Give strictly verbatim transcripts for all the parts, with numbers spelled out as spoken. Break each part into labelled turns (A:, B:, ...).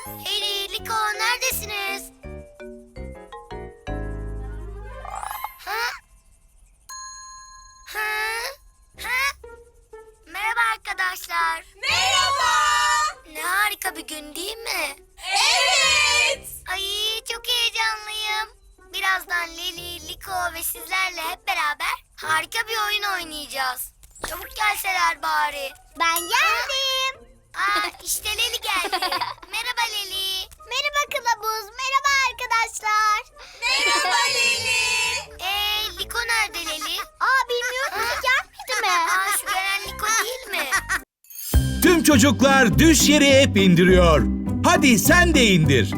A: Leli, Liko neredesiniz? Ha? Ha? Ha? Merhaba arkadaşlar.
B: Merhaba.
A: Ne harika bir gün değil mi?
B: Evet.
A: Ay çok heyecanlıyım. Birazdan Leli, Liko ve sizlerle hep beraber harika bir oyun oynayacağız. Çabuk gelseler bari.
C: Ben geldim.
A: Aa işte Leli geldi. Merhaba Leli.
C: Merhaba Kılavuz. Merhaba arkadaşlar.
B: Merhaba Leli.
A: Ee Liko nerede Leli?
C: Aa bilmiyorum ki gelmedi mi?
A: Aa şu gelen Liko değil mi?
D: Tüm çocuklar düş yeri hep indiriyor. Hadi sen de indir.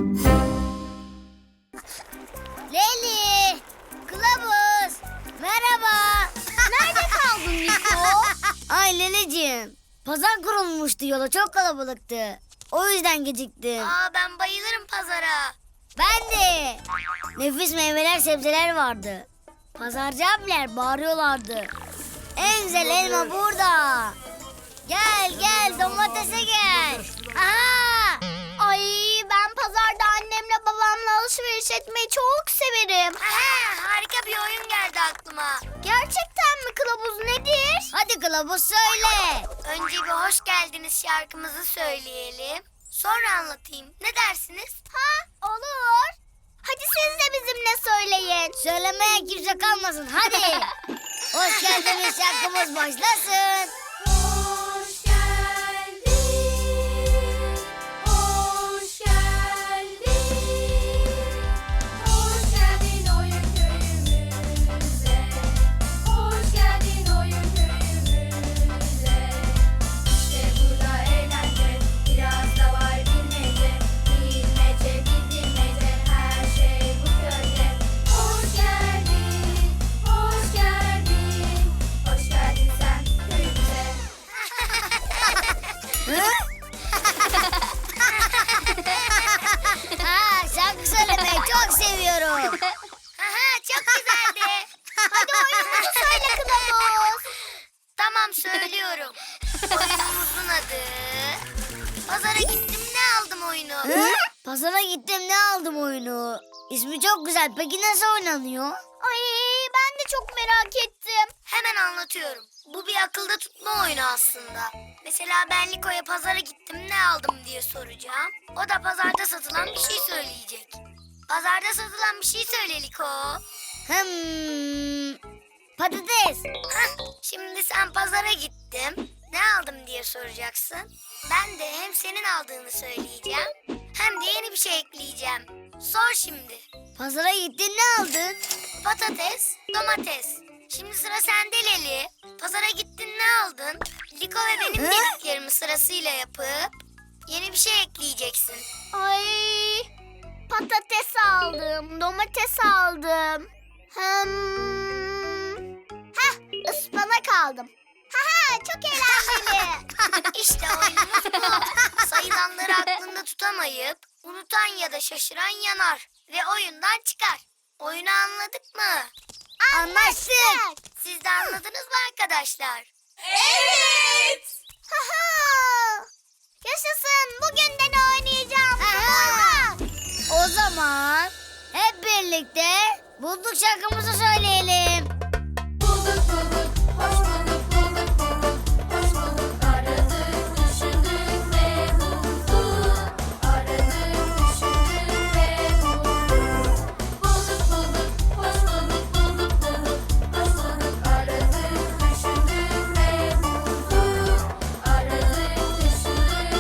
C: Leli, Kılavuz, merhaba. Nerede kaldın Niko? Ay Leleciğim, pazar kurulmuştu, yola çok kalabalıktı. O yüzden geciktim.
A: Aa ben bayılırım pazara.
C: Ben de. Nefis meyveler, sebzeler vardı. Pazarcı abiler bağırıyorlardı. En güzel elma burada. Gel gel domatese gel. Aha! Ay ben pazarda annemle babamla alışveriş etmeyi çok severim.
A: Aha, harika bir oyun geldi aklıma.
C: Gerçekten mi Kılavuz, nedir? Hadi Kılavuz söyle.
A: Önce bir hoş geldiniz şarkımızı söyleyelim. Sonra anlatayım. Ne dersiniz?
C: Ha olur. Hadi siz de bizimle söyleyin. Söylemeye kimse kalmasın hadi. Hoş geldiniz şarkımız başlasın.
B: Hoş geldin. Hoş geldin. Hoş geldin oyun köyümüze. Hoş geldin oyun köyümüze. İşte burada eğlence, biraz da var bilmece. Bilmece, bilmece, her şey bu köyde. Hoş geldin, hoş geldin. Hoş geldin sen köyümüze.
C: Ha, şarkı söylemeyi çok seviyorum.
A: Aha, çok güzeldi.
C: Hadi oyunumuzu söyle Kılavuz.
A: Tamam söylüyorum. Oyunumuzun adı... Pazara gittim ne aldım oyunu.
C: Hı? Pazara gittim ne aldım oyunu. İsmi çok güzel. Peki nasıl oynanıyor? Ay ben de çok merak ettim.
A: Hemen anlatıyorum. Bu bir akılda tutma oyunu aslında. Mesela ben Liko'ya pazara gittim ne aldım diye soracağım. O da pazarda satılan bir şey söyleyecek. Pazarda satılan bir şey söyle Liko.
C: Hmm, patates.
A: Hah, şimdi sen pazara gittim ne aldım diye soracaksın. Ben de hem senin aldığını söyleyeceğim hem de yeni bir şey ekleyeceğim. Sor şimdi.
C: Pazara gittin ne aldın?
A: Patates, domates. Şimdi sıra sende Leli. Pazara gittin ne aldın? Liko ve benim
C: Hı?
A: dediklerimi sırasıyla yapıp yeni bir şey ekleyeceksin.
C: Ay patates aldım, domates aldım. Hmm. Heh, ıspanak aldım. Haha çok eğlenceli.
A: İşte oyunumuz bu. Sayılanları aklında tutamayıp unutan ya da şaşıran yanar ve oyundan çıkar. Oyunu anladık mı?
C: Anlaştık.
A: Siz de anladınız mı arkadaşlar?
B: Evet.
C: Haha. Yaşasın, bugün de ne oynayacağım? Aha. O zaman hep birlikte bulduk şarkımızı söyleyelim.
B: Bulduk bulduk, hoş bulduk, bulduk bulduk, hoş bulduk. Aradık, düşündük ve bulduk. Aradık, düşündük ve bulduk. Bulduk bulduk, hoş bulduk, bulduk bulduk, hoş bulduk. Aradık, düşündük ve bulduk. Aradık, düşündük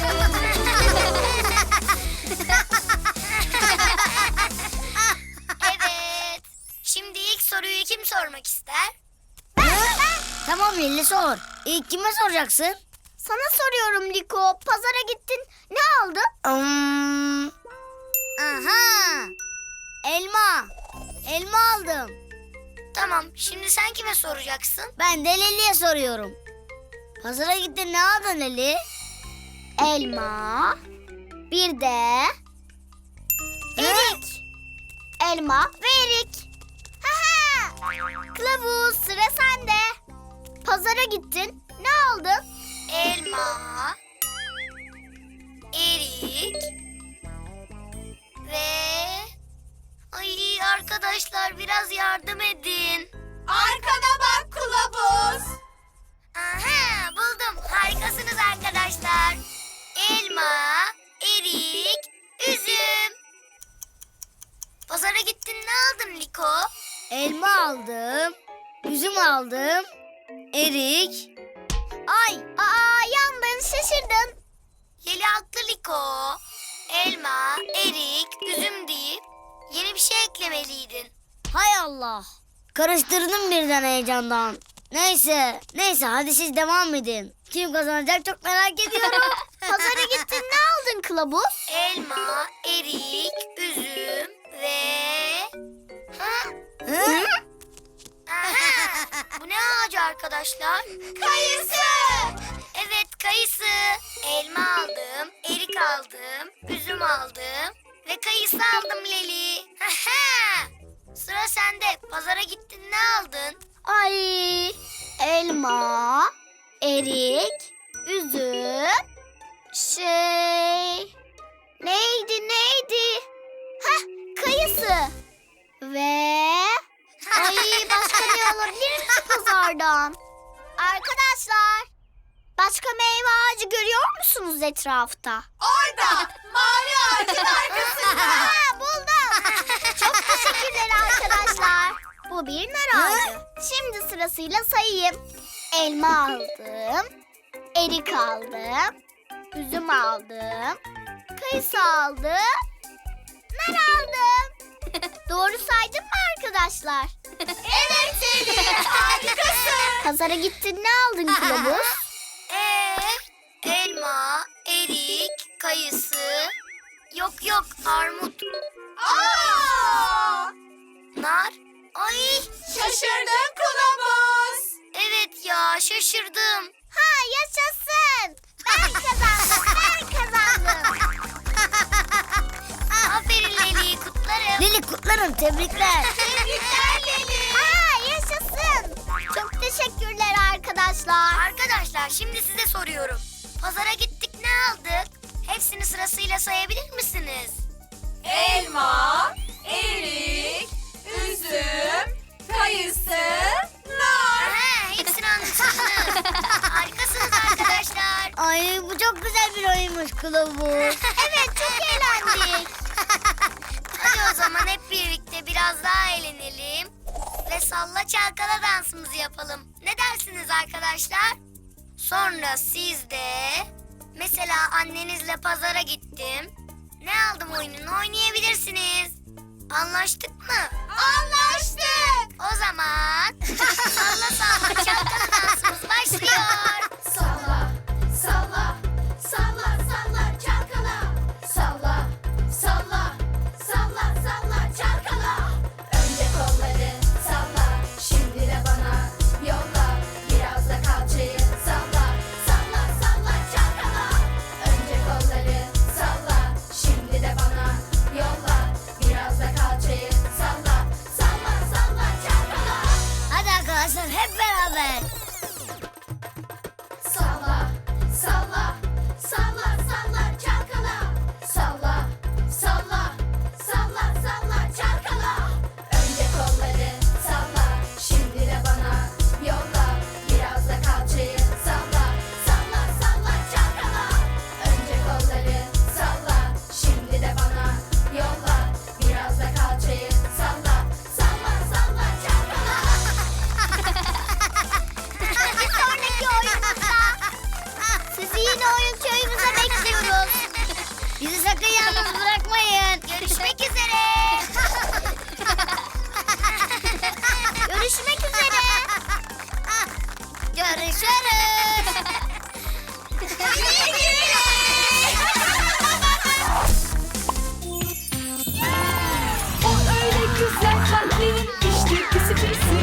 A: Evet. Şimdi ilk soruyu kim sormak ister?
C: Tamam Lili sor. İlk kime soracaksın? Sana soruyorum Liko. Pazara gittin. Ne aldın? Hmm. Aha. Elma. Elma aldım.
A: Tamam, şimdi sen kime soracaksın?
C: Ben de Leli'ye soruyorum. Pazara gittin ne aldın Leli? Elma. Bir de erik. Elma ve erik. Haha. Kılavuz sıra sende. Pazara gittin. Ne aldın?
A: Elma, erik yardım edin.
B: Arkana bak kılavuz.
A: Aha, buldum. Harikasınız arkadaşlar. Elma, erik, üzüm. Pazara gittin, ne aldın Liko?
C: Elma aldım, üzüm aldım, erik. Ay, aa yandın, şaşırdın.
A: Yeli haklı Liko. Elma, erik, üzüm deyip yeni bir şey eklemeliydin.
C: Hay Allah. Karıştırdım birden heyecandan. Neyse, neyse hadi siz devam edin. Kim kazanacak çok merak ediyorum. Pazara gittin, ne aldın kılavuz?
A: Elma, erik, üzüm ve... Ha?
C: Hı?
A: Aha! Bu ne ağacı arkadaşlar?
B: Kayısı.
A: Evet, kayısı. Elma aldım, erik aldım, üzüm aldım ve kayısı aldım Leli. Aha! Sıra sende. Pazara gittin, ne aldın?
C: Ay, elma, erik, üzüm, şey... Neydi, neydi? Hah, kayısı. Ve... Ay, başka ne olabilir ki pazardan? Arkadaşlar, başka meyve ağacı görüyor musunuz etrafta?
B: Orada. Mavi ağacın arkasında.
C: Ha, buldum. Çok teşekkürler arkadaşlar. Bu bir nar ağacı. Şimdi sırasıyla sayayım. Elma aldım, erik aldım, üzüm aldım, kayısı aldım, nar aldım. Doğru saydım mı arkadaşlar?
B: Evet Selin. Harikasın.
C: Pazara gittin, ne aldın kılavuz?
A: Ee, elma, erik, kayısı. Yok yok, armut,
B: Aa!
A: nar. Ay,
B: Şaşırdın kılavuz.
A: evet ya, şaşırdım.
C: Ha, yaşasın. Ben kazandım, ben kazandım.
A: Aferin Leli, kutlarım.
C: Lili kutlarım, tebrikler.
B: Tebrikler Leli.
C: Ha, yaşasın. Çok teşekkürler arkadaşlar.
A: Arkadaşlar, şimdi size soruyorum. Pazara gittik, ne aldık? Hepsini sırasıyla sayabilir misiniz?
B: Elma, erik, üzüm, kayısı, nar.
A: Aha, hepsini anlatırsınız. Harikasınız arkadaşlar.
C: Ay, bu çok güzel bir oyunmuş kılavuz. Evet, çok eğlendik.
A: Hadi o zaman hep birlikte biraz daha eğlenelim. Ve salla çalkala dansımızı yapalım. Ne dersiniz arkadaşlar? Sonra siz de... Mesela annenizle pazara gittim. Ne aldım oyununu oynayabilirsiniz. Anlaştık mı?
B: Anlaştık.
A: O zaman salla salla çalkala dansımız başlıyor.
B: Salla, salla, salla, salla, çalkala. Salla, salla, salla, salla, çalkala. Önce kolları salla, şimdi de bana yolla. Biraz da kalçayı salla, salla, salla, çalkala. Önce kolları salla, şimdi de bana yolla. Biraz da kalçayı salla, salla, salla, çalkala.
C: Hadi arkadaşlar, hep beraber.
B: Salla, salla, salla, salla, çalkala. Salla, salla, salla, salla, çalkala. Önce kolları salla, şimdi de bana yolla. Biraz da kalçayı salla, salla, salla, çalkala. Önce kolları salla, şimdi de bana yolla. Biraz da kalçayı salla, salla, salla, çalkala.
C: Bir sonraki oyunumuzda sizi yine oyun köyümüze bekliyoruz. Bizi sakın yalnız bırakmayın.
A: Görüşmek üzere.
C: Görüşmek üzere. Görüşürüz.
E: O öyle güzel kalplerin işte pisi pisi.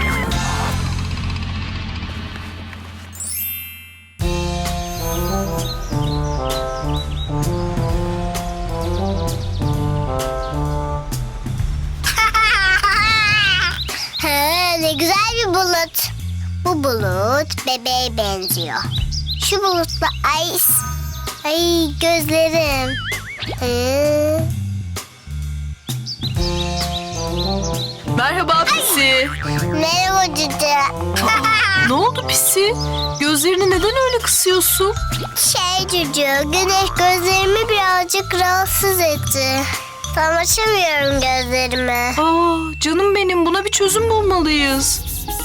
C: Ha, ne güzel bir bulut. Bu bulut bebeğe benziyor. Şu bulutla ay, ay gözlerim. Hı.
E: Ben Merhaba Pisi.
C: Merhaba Cüce.
E: Ne oldu Pisi? Gözlerini neden öyle kısıyorsun?
C: Şey Cüce, güneş gözlerimi birazcık rahatsız etti. Tam açamıyorum gözlerimi.
E: Aa, canım benim, buna bir çözüm bulmalıyız.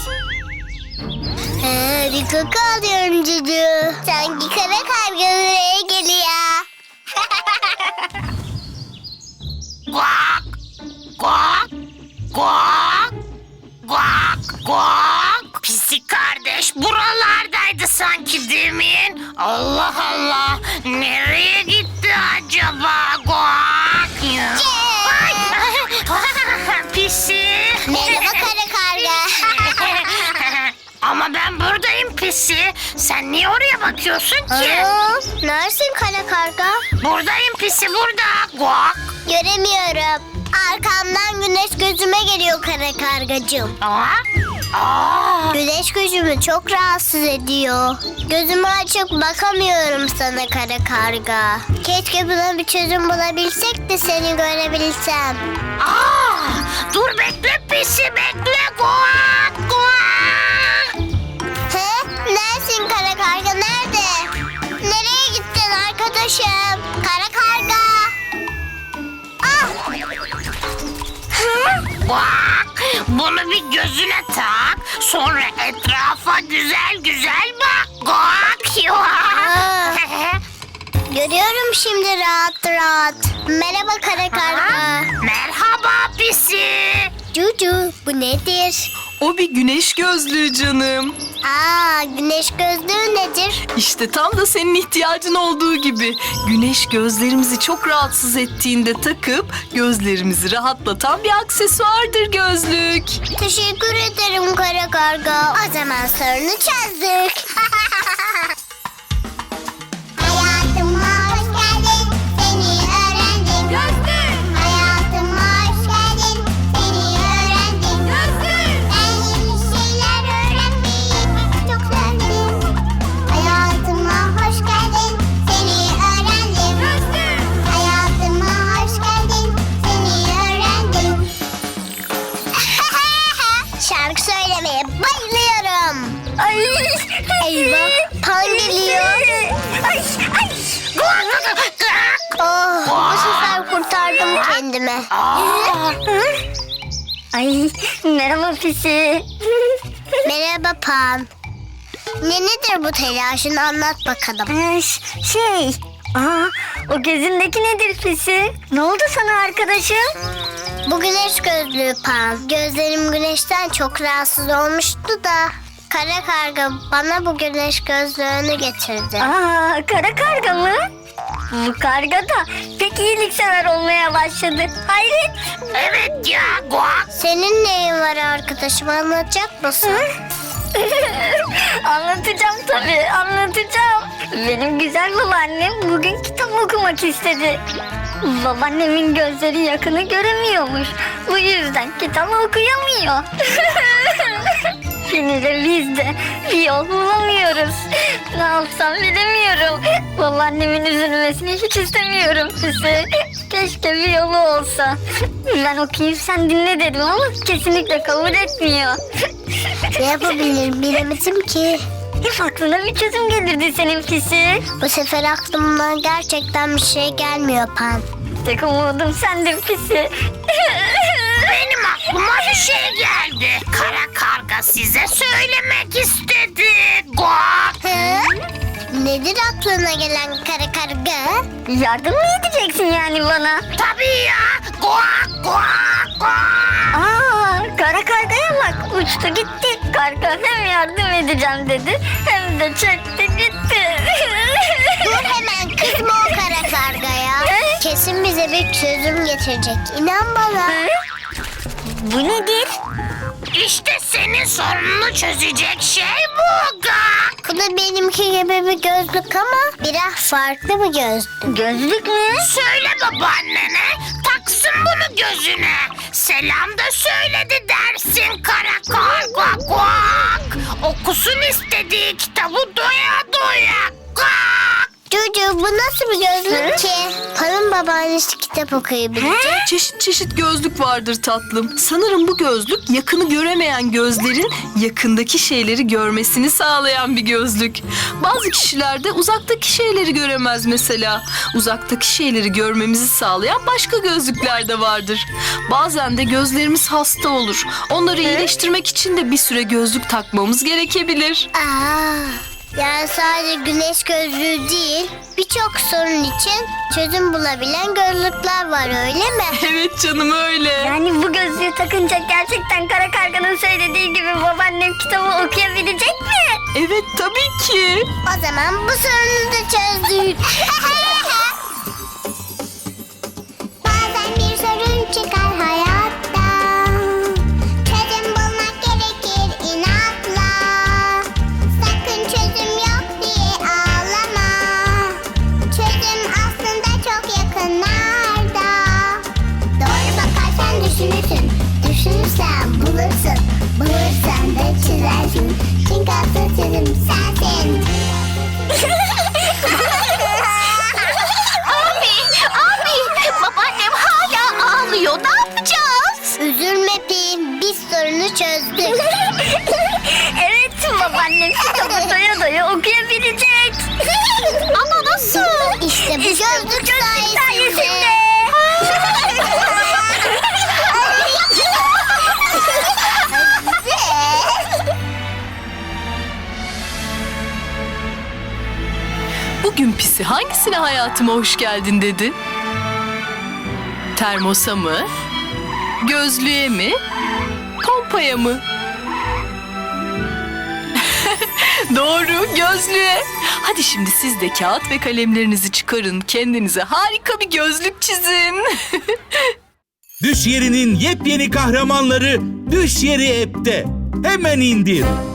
C: He, bir koku alıyorum Cüce. Sanki kara karga buraya geliyor.
F: Guak, guak, guak, guak, guak. Pisi kardeş buralardaydı sanki demin. Allah Allah, nereye gitti acaba? Guak ya. Ay, Pisi.
C: Merhaba kara karga.
F: Ama ben buradayım Pisi. Sen niye oraya bakıyorsun ki?
C: Aa, neresin kara karga?
F: Buradayım Pisi, burada. Guak.
C: Göremiyorum. Arkamdan güneş gözüme geliyor kara kargacığım.
F: Aa, aa.
C: Güneş gözümü çok rahatsız ediyor. Gözümü açıp bakamıyorum sana kara karga. Keşke buna bir çözüm bulabilsek de seni görebilsem.
F: Aa, dur bekle Pisi, bekle. Guak, guak.
C: He? Neresin kara karga, nerede? Nereye gittin arkadaşım? Kara karga. Ah! Hı?
F: Guak. Bunu bir gözüne tak. Sonra etrafa güzel güzel bak. Guak.
C: Aa. Görüyorum şimdi rahat rahat. Merhaba kara karga.
F: Merhaba Pisi.
C: Cucu, bu nedir?
E: O bir güneş gözlüğü canım.
C: Aa, güneş gözlüğü nedir?
E: İşte tam da senin ihtiyacın olduğu gibi. Güneş gözlerimizi çok rahatsız ettiğinde takıp gözlerimizi rahatlatan bir aksesuardır gözlük.
C: Teşekkür ederim kara karga. O zaman sorunu çözdük. Hayatıma hoş geldin, seni öğrendim.
B: Gözlük.
C: Hayatıma hoş geldin, seni öğrendim.
B: Gözlük.
C: Ben yeni şeyler öğrenmeyi çok sevdim. Hayatıma hoş geldin, seni öğrendim.
B: Gözlük.
C: Hayatıma hoş geldin, seni öğrendim. Şarkı söylemeye bayılıyorum. Ay, eyvah, Pan geliyor. Ay, ay. Oh, bu sefer kurtardım kendimi. Ay, merhaba Pisi. Merhaba Pan. Ne nedir bu telaşın, anlat bakalım. Şey, aa, o gözündeki nedir Pisi? Ne oldu sana arkadaşım? Bu güneş gözlüğü Pan. Gözlerim güneşten çok rahatsız olmuştu da kara karga bana bu güneş gözlüğünü getirdi.
G: Aa, kara karga mı? Bu karga da pek iyiliksever olmaya başladı. Hayret.
F: Evet ya, guak.
C: Senin neyin var arkadaşım, anlatacak mısın?
G: Anlatacağım tabii, anlatacağım. Benim güzel babaannem bugün kitap okumak istedi. Babaannemin gözleri yakını göremiyormuş. Bu yüzden kitap okuyamıyor. Yine de biz de bir yol bulamıyoruz. Ne yapsam bilemiyorum. Babaannemin üzülmesini hiç istemiyorum size. Keşke bir yolu olsa. Ben okuyayım sen dinle dedim ama kesinlikle kabul etmiyor.
C: Ne yapabilirim bilemedim ki.
G: Hep aklına bir çözüm gelirdi senin pisi.
C: Bu sefer aklımdan gerçekten bir şey gelmiyor Pan.
G: Tek umudum sendin pisi.
F: Benim aklıma bir şey geldi. Kara karga size söylemek istedi. Guak.
C: Hı? Nedir aklına gelen kara karga?
G: Yardım mı edeceksin yani bana?
F: Tabii ya. Guak, guak, guak.
G: Aa, kara kargaya bak, uçtu gitti. Karga hem yardım edeceğim dedi hem de çekti gitti.
C: Dur hemen, kızma o kara kargaya. Kesin bize bir çözüm getirecek. İnan bana.
G: Bu nedir?
F: İşte senin sorununu çözecek şey bu Guak.
C: Bu da benimki gibi bir gözlük ama biraz farklı bir gözlük.
G: Gözlük mü?
F: Söyle babaannene, taksın bunu gözüne. Selam da söyledi dersin kara karga guak. Okusun istediği kitabı doya doya guak.
H: Cucu bu nasıl bir gözlük ki? Pal'ın babaannesi kitap okuyabilecek.
E: Çeşit çeşit gözlük vardır tatlım. Sanırım bu gözlük yakını göremeyen gözlerin yakındaki şeyleri görmesini sağlayan bir gözlük. Bazı kişiler de uzaktaki şeyleri göremez mesela. Uzaktaki şeyleri görmemizi sağlayan başka gözlükler de vardır. Bazen de gözlerimiz hasta olur. Onları iyileştirmek için de bir süre gözlük takmamız gerekebilir.
H: Aa, yani sadece güneş gözlüğü değil, birçok sorun için çözüm bulabilen gözlükler var öyle mi?
E: Evet canım öyle.
G: Yani bu gözlüğü takınca gerçekten Kara Karga'nın söylediği gibi babaannem kitabı okuyabilecek mi?
E: Evet tabii ki.
H: O zaman bu sorunu da çözdük. Bazen bir sorun çıkar hayatta. Çözüm bulmak gerekir inatla. Sakın çözüm yok diye ağlama. Çözüm aslında çok yakınlarda. Doğru bakarsan düşünürsün. Düşünürsen bulursun. Bulursan da çizersin. Çünkü asıl çözüm sensin.
F: Abi, babaannem hala ağlıyor. Ne yapacağız?
H: Üzülme Pim, biz sorunu çözdük.
G: Evet, babaannem kitabı doya doya okuyabilecek.
F: Ama nasıl?
H: İşte bu gözlük sayesinde.
G: sayesinde.
E: Bugün Pisi hangisine hayatıma hoş geldin dedi? Termosa mı? Gözlüğe mi? Pompaya mı? Doğru, gözlüğe. Hadi şimdi siz de kağıt ve kalemlerinizi çıkarın. Kendinize harika bir gözlük çizin.
D: Düş Yeri'nin yepyeni kahramanları Düş Yeri app'te. Hemen indir.